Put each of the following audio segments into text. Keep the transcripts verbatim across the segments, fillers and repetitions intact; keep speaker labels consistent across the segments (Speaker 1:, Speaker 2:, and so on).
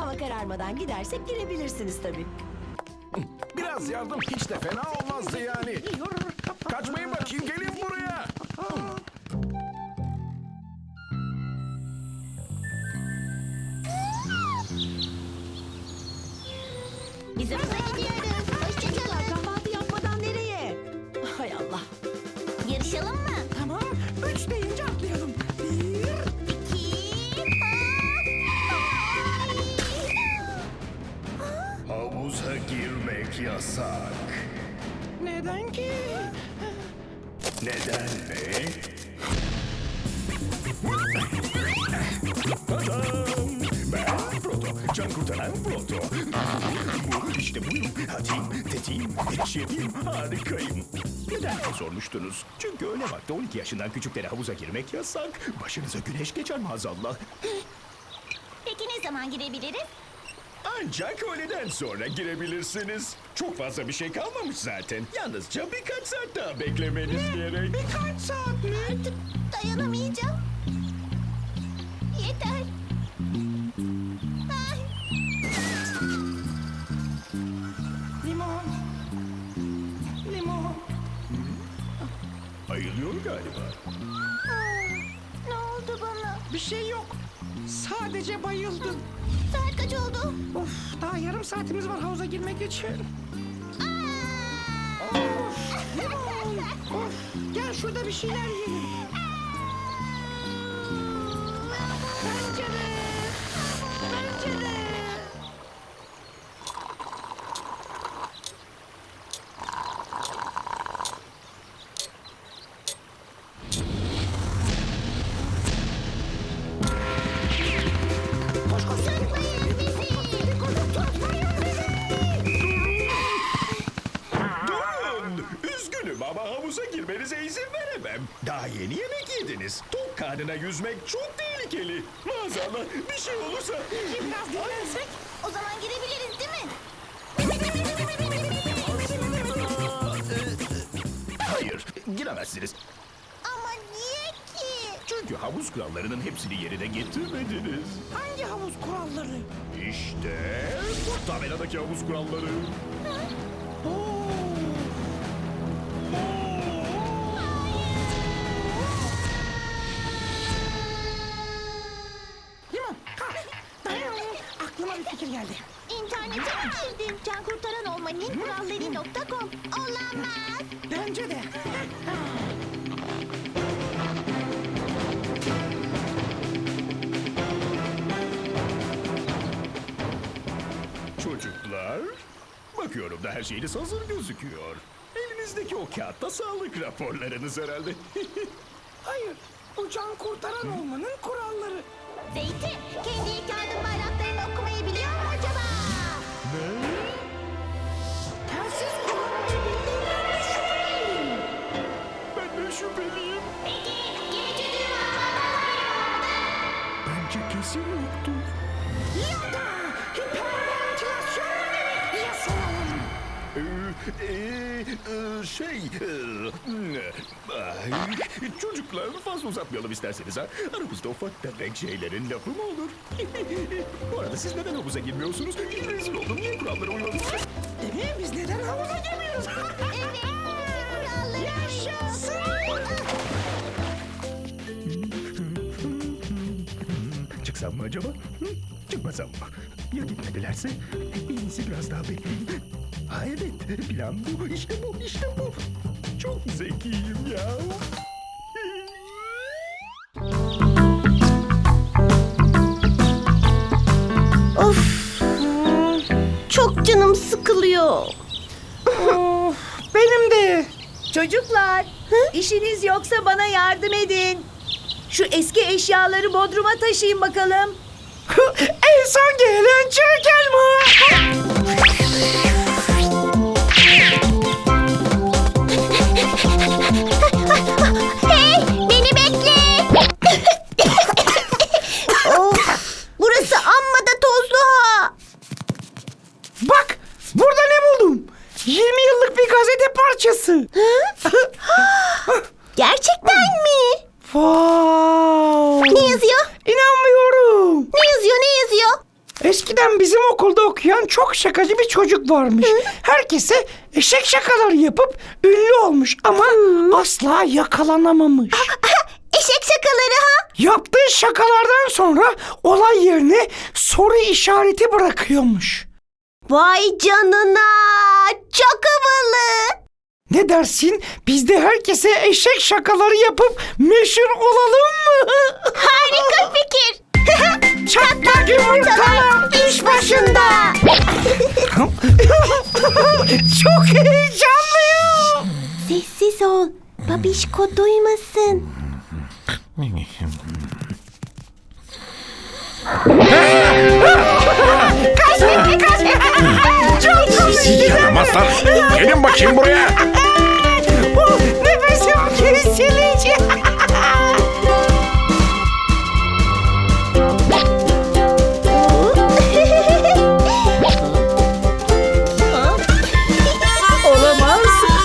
Speaker 1: hava kararmadan gidersek girebilirsiniz tabii.
Speaker 2: Biraz yardım hiç de fena olmazdı yani. Kaçmayın bakayım, gelin buraya.
Speaker 3: Biz havuza gidiyoruz. Hoşçakalın.
Speaker 1: Kahvaltı yapmadan nereye? Hay Allah.
Speaker 3: Yarışalım mı?
Speaker 1: Tamam, üç deyince atlayalım. Bir,
Speaker 3: İki.
Speaker 4: Havuza girmek yasak.
Speaker 1: neden ki?
Speaker 4: Neden mi? Tadam! Ben Proto, can kurtaran Proto. Bu işte buyum. Hadi, tetiğim, şefim, harikayım. Neden diye sormuştunuz? Çünkü öyle vakti on iki yaşından küçüklere havuza girmek yasak. Başınıza güneş geçer maazallah.
Speaker 3: Peki ne zaman girebiliriz?
Speaker 4: Ancak öğleden sonra girebilirsiniz. Çok fazla bir şey kalmamış zaten. Yalnızca birkaç saat daha beklemeniz gerek.
Speaker 1: Birkaç saat mi?
Speaker 3: Artık dayanamayacağım. Yeter. Ay.
Speaker 1: Limon. Limon.
Speaker 4: Ayılıyor galiba.
Speaker 3: Aa, ne oldu bana?
Speaker 5: Bir şey yok. Sadece bayıldım.
Speaker 3: Saat kaç oldu?
Speaker 5: Of, daha yarım saatimiz var havuza girmek için. Limon. Of, gel şurada bir şeyler yiyelim. Pencere. Pencere. Koş koş.
Speaker 3: Tutmayın bizi.
Speaker 4: Durun! Üzgünüm ama havuza girmenize izin veremem. Daha yeni yemek yediniz. Tok karnına yüzmek çok tehlikeli. Maazallah bir şey olursa...
Speaker 5: Biraz dinlensek.
Speaker 3: O zaman girebiliriz değil mi?
Speaker 4: Hayır, giremezsiniz.
Speaker 3: Ama niye ki?
Speaker 4: Çünkü havuz kurallarının hepsini yerine getirmediniz.
Speaker 5: Hangi havuz kuralları?
Speaker 4: İşte bu tabeladaki havuz kuralları.
Speaker 5: Oo. Limon, kalk. Dayan. Aklıma bir fikir geldi.
Speaker 3: İnternete mi girdin? Can kurtaran olmanın kuralları nokta com. Olamaz.
Speaker 5: Bence de.
Speaker 4: Çocuklar, bakıyorum da her şeyiniz hazır gözüküyor. Elinizdeki o kağıtta sağlık raporlarınız herhalde.
Speaker 5: Hayır, bu can kurtaran olmanın kuralları.
Speaker 3: Zeytin, kendi ilk yardım bayraklarını okumayı biliyor mu acaba?
Speaker 5: Telsiz kullanmayı bildiğinden şüpheliyim.
Speaker 4: Ben de şüpheliyim.
Speaker 3: Peki, geçici
Speaker 4: Bence kesin yoktur.
Speaker 5: Ya da hiperventilasyon ya soralım.
Speaker 4: Ee, ee, ee, şey, ee, ay, çocuklar fazla uzatmayalım isterseniz ha. Aramızda ufak tefek şeylerin lafı mı olur? Bu arada siz neden havuza girmiyorsunuz? Rezil oldum, niye kurallara uymadınız?
Speaker 5: Değil mi? Biz neden havuza girmiyoruz?
Speaker 3: Evet, kuralları
Speaker 5: Yaşasın.
Speaker 4: Çıksam mı acaba? Hı? Çıkmasam mı? Ya gitmedilerse? En iyisi biraz daha bekleyeyim. Ha evet, plan bu, işte bu, işte bu. Çok zekiyim ya.
Speaker 3: Of, çok canım sıkılıyor.
Speaker 5: Of, benim de.
Speaker 1: Çocuklar, işiniz yoksa bana yardım edin. Şu eski eşyaları bodruma taşıyın bakalım.
Speaker 5: En son gelen çirkin mi?
Speaker 3: Hey, beni bekle. Of, burası amma da tozlu ha.
Speaker 5: Bak, burada ne buldum? yirmi yıllık bir gazete parçası.
Speaker 3: Gerçekten mi?
Speaker 5: Wow.
Speaker 3: Ne yazıyor?
Speaker 5: İnanmıyorum.
Speaker 3: Ne yazıyor, ne yazıyor?
Speaker 5: Eskiden bizim okulda okuyan çok şakacı bir çocuk varmış. Herkese eşek şakaları yapıp ünlü olmuş ama asla yakalanamamış.
Speaker 3: Eşek şakaları ha?
Speaker 5: Yaptığı şakalardan sonra olay yerine soru işareti bırakıyormuş.
Speaker 3: Vay canına. Çok havalı.
Speaker 5: Ne dersin? Biz de herkese eşek şakaları yapıp meşhur olalım mı?
Speaker 3: Harika fikir.
Speaker 5: Çatlak yumurtalar iş başında. Çok heyecanlıyım.
Speaker 3: Sessiz ol. Babişko duymasın. Kaç Fikri kaç. Çok
Speaker 2: Sizi yaramazlar. Gelin bakayım buraya.
Speaker 5: Nefesim kesilecek.
Speaker 1: Olamaz.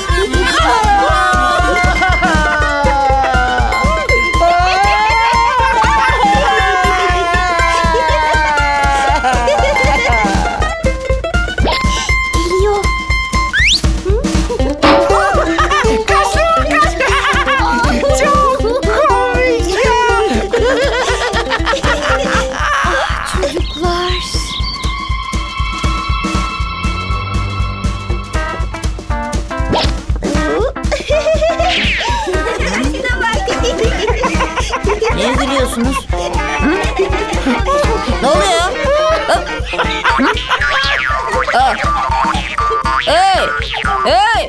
Speaker 3: Geliyor.
Speaker 5: Çok komik ya.
Speaker 3: Çocuklar.
Speaker 6: Niye gülüyorsunuz? Ne oluyor? Ha? Aa. Hey! Hey!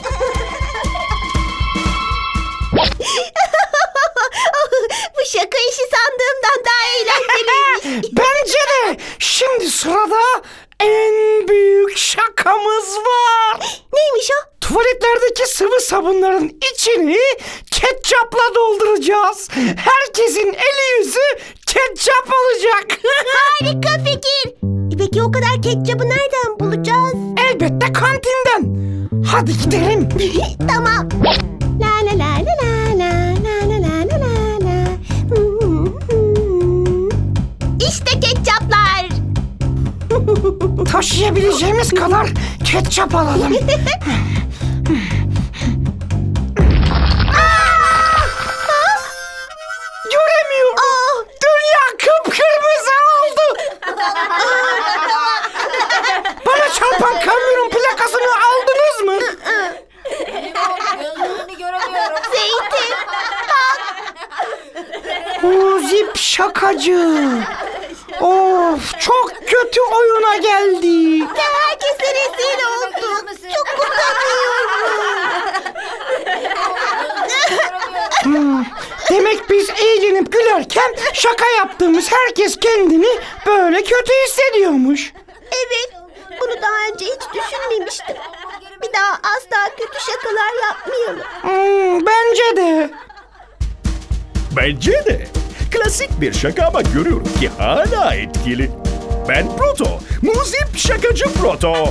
Speaker 3: Bu şaka işi sandığımdan daha eğlenceliymiş.
Speaker 5: Bence de. Şimdi sırada en büyük şakamız var.
Speaker 3: Neymiş o?
Speaker 5: Tuvaletlerdeki sıvı sabunların içini ketçapla dolduracağız. Herkesin eli yüzü ketçap olacak.
Speaker 3: Harika fikir. Peki o kadar ketçabı nereden bulacağız?
Speaker 5: Elbette kantinden. Hadi gidelim.
Speaker 3: Tamam. La la la la la la la la la la la la. Hmm, hmm. İşte ketçaplar.
Speaker 5: Taşıyabileceğimiz kadar ketçap alalım. Göremiyorum. Dünya kıpkırmızı oldu. Bana çarpan kamyonun plakasını aldınız mı?
Speaker 6: Gözlerini göremiyorum.
Speaker 3: Zeytin.
Speaker 5: O zip şakacı. Of, çok kötü oyuna geldi.
Speaker 3: Herkese rezil olduk. Çok utanıyorum.
Speaker 5: Demek biz eğlenip gülerken şaka yaptığımız herkes kendini böyle kötü hissediyormuş.
Speaker 3: Evet. Bunu daha önce hiç düşünmemiştim. Bir daha asla kötü şakalar yapmayalım.
Speaker 5: Hmm, bence de.
Speaker 4: Bence de. Klasik bir şaka ama görüyorum ki hala etkili. Ben Proto. Muzip şakacı Proto.